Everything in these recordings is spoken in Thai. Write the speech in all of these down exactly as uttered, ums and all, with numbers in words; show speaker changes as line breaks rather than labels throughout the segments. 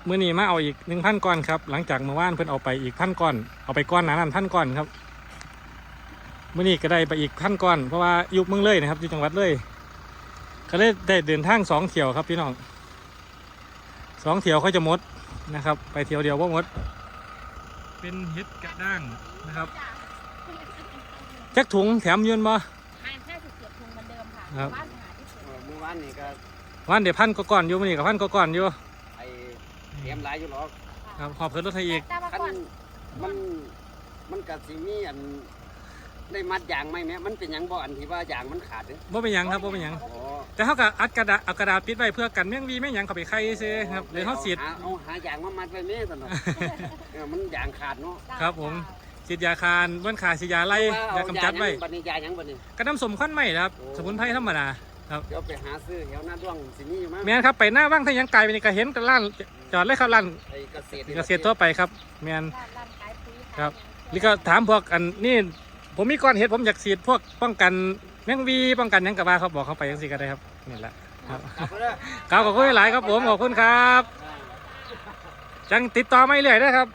มื้อนี้มาเอาอีกหนึ่งพันก้อนครับหลังจากเมื่อวานเพิ่นเอาไปอีกพันก้อนเอาไปก้อนหนานั้นพันก้อนครับมื้อนี้ก็ได้ไปอีกพันก้อนเพราะว่าอยู่เมืองเลยนะครับอยู่จังหวัดเลยก็เลยได้เดินทางสองเที่ยวครับพี่น้องสองเที่ยวเขาจะหมดนะครับไปเที่ยวเดียวว่าหมดเป็นเห็ดกระด้างนะครับจักถุงแถมยืนบ่
ห้าสิบเจ็ดถุงเหมือนเดิมค่ะ
ครับ
บ้านหาที่สุด
เมื่อวานนี่ก็
วันเดี๋ยวพันก็ก่อนอยู่มื้อนี้กับพันก็ก่อนอยู่
ไอเตรียมหลายอยู่หรอก
ครับขอบคุณรถไทยอีก
แต่ว่า
คัน
ก่อน
มันมันกับสิมีอันได้มัดยางไหมแม่มันเป็นหยังบ่อันที่ว่ายางมันขาดเด้อ
บ่เป็นหยังครับบ่เป็นหยัง
อ๋อ
แต่เขาก็อัดกระดาษเอากระดาษปิดไว้เพื่อกันแมงวีแมงหยังเข้าไปไข่ซื้อครับหรือเขาฉีด
หาเอาหายางมามัดไว้แม่ซั่น เนาะ เออมันยางขาดเนาะ
ครับผมฉีดยาคานบ้วนขาฉีดยาไล่ยากำจัดไว้
บัดนี้ยาหยังบัดนี้
กระน้ำสมควันไหมครับสมุนไพรธรรมดาครับ
เดี๋ยวไปหาซื้อแถวหน้าด้วงสิมีอยู่มั้ง
แม่นครับไปหน้าว่างถ้ายังไกลไปนี่ก็เห็นกันร้านจอดเลยครับร้าน
ไอ้เกษตร
เกษตรทั่วไปครับแม่น
ร้านร้านขายปุ๋ย
ครับ
ขาย
นี่ก็ถามพวกอันนี่ผมมีก้อนเห็ดผมอยากฉีดพวกป้องกันแมงวีป้องกันหยังกับว่าเขาบอกเขาไปยังสิก็ได้ครับนี่แหละครับ
กลับมาเด้อ
ครับขอบคุณหลายครับผมขอบคุณครับจังติดต่อไม่เรื่อยนะครับ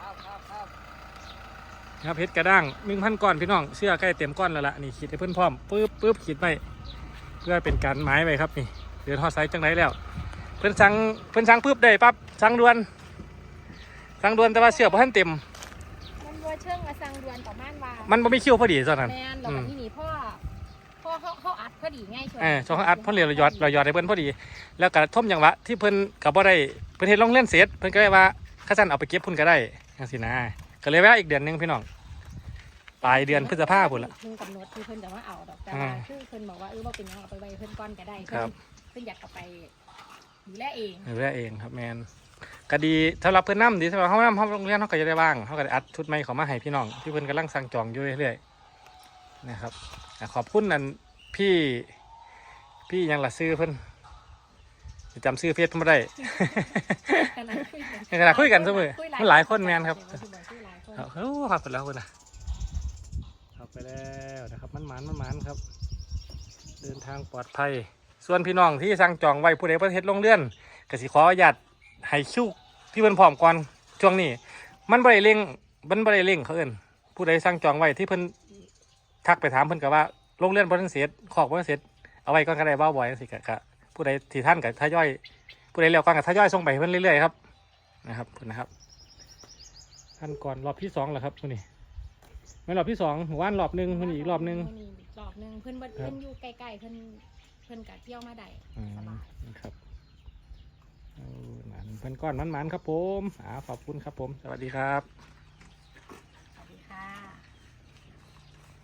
ครับครับ
ครับเพชรกระด้างหนึ่งพันก้อนพี่น้องเสื้อใกล้เต็มก้อนแล้วล่ะนี่ขีดให้เพื่อนพร้อมปึ๊บปึ๊บขีดไปเพื่อเป็นการหมายไว้ครับนี่เดือนทอดไซส์จังไรแล้ว เพื่อนสั่งเพื่อนสั่งปึ๊บได้ปั๊บสั่งด่วนสั่งด่วนแต่ว่าเสื้อพอท่านเต็ม
มันวัวเชิงมาสั่งด่วนต่อม่านวา
มันบ่มีคิวพอดีตอนนั้น
แมนเราแบบที่นี่พ่อพ่อเขาเขาอัดพอดีง่ายชวน
เออช่วงเขาอัดเพื่อนเรียนเรายอดเรายอดให้เพื่อนพอดี แล้วก็ท่มอย่างวะที่เพื่อนกับบ่ได้เพื่อนเห็นลงเล่นเสร็จเพื่อนก็เลยว่าข้าจันเอาไปเก็บพุ่นก็ได้จังสินะก็เลยแวะอีกเดือนหนึงพี่น้องปลายเดือนพฤษภาพุ่นละ
ถึงกำหนดที่เพิ่นจะว่าเอาดอกแต่
อ่า
ว่าคือเพิ่นบอกว่าเออว่าเป็นหยังเอาไปไว้เพิ่นก้อนก็ได้
ครับ
เพิ่นอยากเอาไปดูแลเอง
เรื่อยเองครับแมนก็ดีสำหรับเพื่อนน้ำดีสำหรับเขาน้ำเขาโรงเรียนเขาก็จะได้บ้างเขาก็ได้อัดชุดใหม่เขามาให้พี่น้องที่เพื่อนกำลังสั่งจองอยู่เรื่อยๆนะครับอ่ะขอบคุณนั่นพี่พี่ยังละซื้อเพื่อนจำซื้อเฟซเพิ่นไม่ได้
ขนาดคุยกัน
ในขณะคุยกันเสมอมันหลายคนแมนครับ
คุยหลายคน
เอาเฮ้ยขับไปแล้วคุณนะขับไปแล้วนะครับมันหมานมันหมานครับ เดินทางปลอดภัย ส่วนพี่น้องที่สั่งจองไว้ผู้ใดประเทศลงเลื่อนกสิขออนุญาตให้คิวที่เพิ่นพร้อมก่อนช่วงนี้ มันบริเร่งมันบริเร่งเขาเอิ้นผู้ใดสั่งจองไว้ที่เพิ่นทักไปถามเพิ่นก็ว่าลงเลื่อนบ่ทันเสร็จขอกบ่ทันเสร็จเอาไว้ก่อนก็ได้บ่บ่อยจังซี่ก็ก็ผู้ใดที่ท่านก็ทยอยผู้ใดแล้วก่อนก็ทยอยส่งไปให้เพิ่นเรื่อยๆครับนะครับเพิ่นนะครับท่านก่อนรอบที่สองแล้วครับมื้อนี้ไม่รอบที่สองหมู่บ้านรอบหนึงมื้อนี้อีกรอบหนึง
มื้อนี้อีกรอบหนึงเพิ่นบ่
ครับ
เพิ่นอยู่ใกล้ๆเพิ่นเพิ่นก็เที่ยวมาได้
อืม
สบาย
นะครับเอาหนานเพิ่นก้อนมันๆครับผมอ่าขอบคุณครับผม สวัสดีครับ